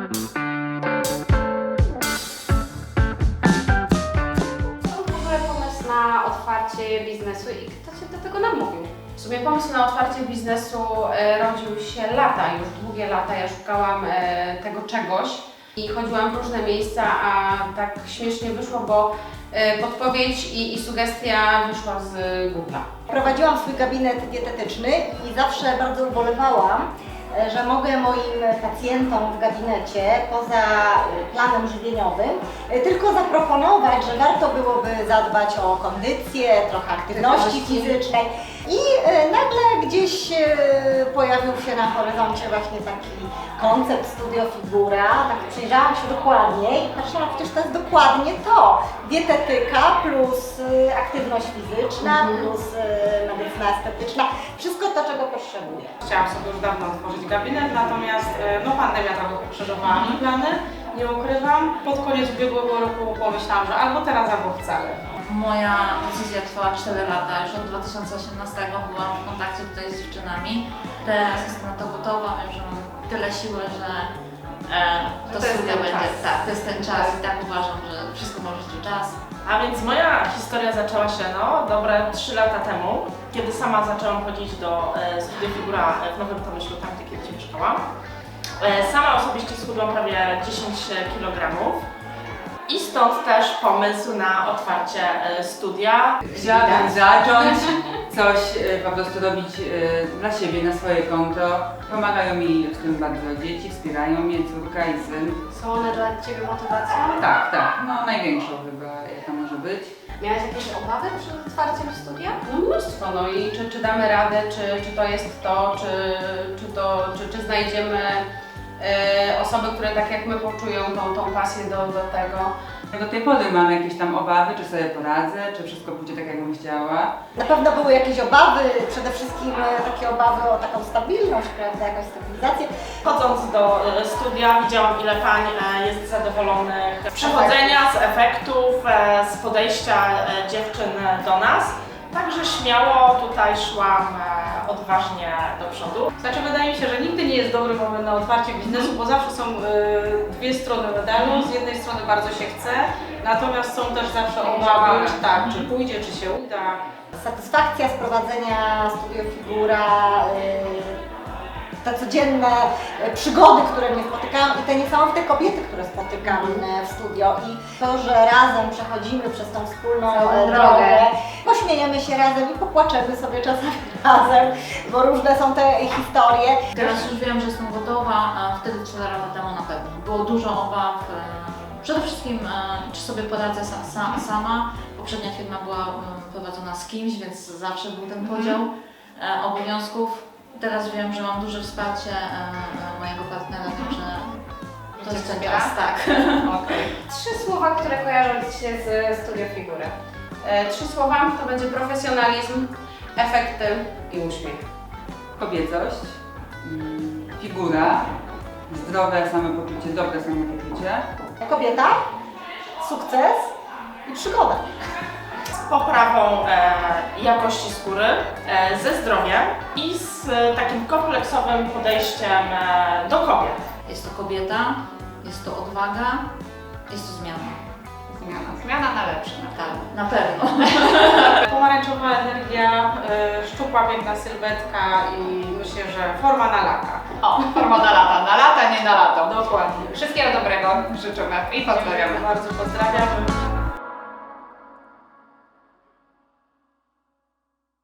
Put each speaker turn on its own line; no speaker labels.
Skąd w ogóle pomysł na otwarcie biznesu i kto Cię do tego namówił?
W sumie pomysł na otwarcie biznesu rodził się lata, już długie lata. Ja szukałam tego czegoś i chodziłam w różne miejsca, a tak śmiesznie wyszło, bo podpowiedź i sugestia wyszła z Google'a.
Prowadziłam swój gabinet dietetyczny i zawsze bardzo ubolewałam, że mogę moim pacjentom w gabinecie poza planem żywieniowym tylko zaproponować, że warto byłoby zadbać o kondycję, trochę aktywności fizycznej. I nagle gdzieś pojawił się na horyzoncie właśnie taki koncept Studio Figura. Tak przyjrzałam się dokładnie i patrzyłam, przecież to jest dokładnie to. Dietetyka plus aktywność fizyczna plus medycyna estetyczna. Wszystko to, czego potrzebuję.
Chciałam sobie już dawno otworzyć gabinet, natomiast pandemia trochę pokrzyżowała mi plany, nie ukrywam. Pod koniec ubiegłego roku pomyślałam, że albo teraz, albo wcale.
Moja decyzja trwała 4 lata, już od 2018 byłam w kontakcie tutaj z dziewczynami. Teraz jestem na to gotowa, wiem, że mam tyle siły, że to studia będzie, tak, to jest ten czas i tak uważam, że wszystko może być czas.
A więc moja historia zaczęła się dobre 3 lata temu, kiedy sama zaczęłam chodzić do Studia Figura w Nowym Tomyślu, tam gdzie kiedyś mieszkałam. Sama osobiście schudłam prawie 10 kg. I stąd też pomysł na otwarcie studia.
Chciałabym zacząć coś po prostu robić dla siebie, na swoje konto. Pomagają mi w tym bardzo dzieci, wspierają mnie córka i syn.
Są one dla Ciebie motywacją?
Tak, tak, no największą chyba jaka może być.
Miałaś jakieś obawy przed otwarciem studia?
No mnóstwo, no i czy damy radę, czy to jest to, czy znajdziemy osoby, które tak jak my poczują tą pasję do tego.
Do tej pory mam jakieś tam obawy, czy sobie poradzę, czy wszystko pójdzie tak, jakbym chciała.
Na pewno były jakieś obawy, przede wszystkim takie obawy o taką stabilność, prawda, jakąś stabilizację.
Chodząc do studia widziałam, ile pań jest zadowolonych z przechodzenia, z efektów, z podejścia dziewczyn do nas. Także śmiało tutaj szłam odważnie do przodu.
Znaczy wydaje mi się, że nigdy nie jest dobry moment na otwarcie biznesu, bo zawsze są dwie strony medalu. Z jednej strony bardzo się chce, natomiast są też zawsze obawy, czy pójdzie, czy się uda.
Satysfakcja z prowadzenia Studio Figura, te codzienne przygody, które mnie spotykają i te niesamowite kobiety, które spotykam w studio i to, że razem przechodzimy przez tą wspólną drogę, pośmiejemy się razem i popłaczemy sobie czasami razem, bo różne są te historie.
Teraz już wiem, że jestem gotowa, a wtedy 4 lata temu na pewno. Było dużo obaw, przede wszystkim czy sobie poradzę sama. Poprzednia firma była prowadzona z kimś, więc zawsze był ten podział obowiązków. Teraz wiem, że mam duże wsparcie mojego partnera, także to jest ten czas, tak.
Okay. 3 słowa, które kojarzą Ci się z Studio Figury.
3 słowa to będzie profesjonalizm, efekty i uśmiech.
Kobiecość, figura, zdrowe samopoczucie, dobre samopoczucie.
Kobieta, sukces i przygoda.
Z poprawą jakości skóry, ze zdrowiem i z takim kompleksowym podejściem do kobiet.
Jest to kobieta, jest to odwaga, jest to zmiana.
Zmiana na lepsze,
Tak, na pewno.
Pomarańczowa energia, szczupła, piękna sylwetka i myślę, że forma na lata.
O, forma na lata, nie na lato.
Dokładnie.
Wszystkiego dobrego życzymy i pozdrawiamy.
Bardzo pozdrawiam.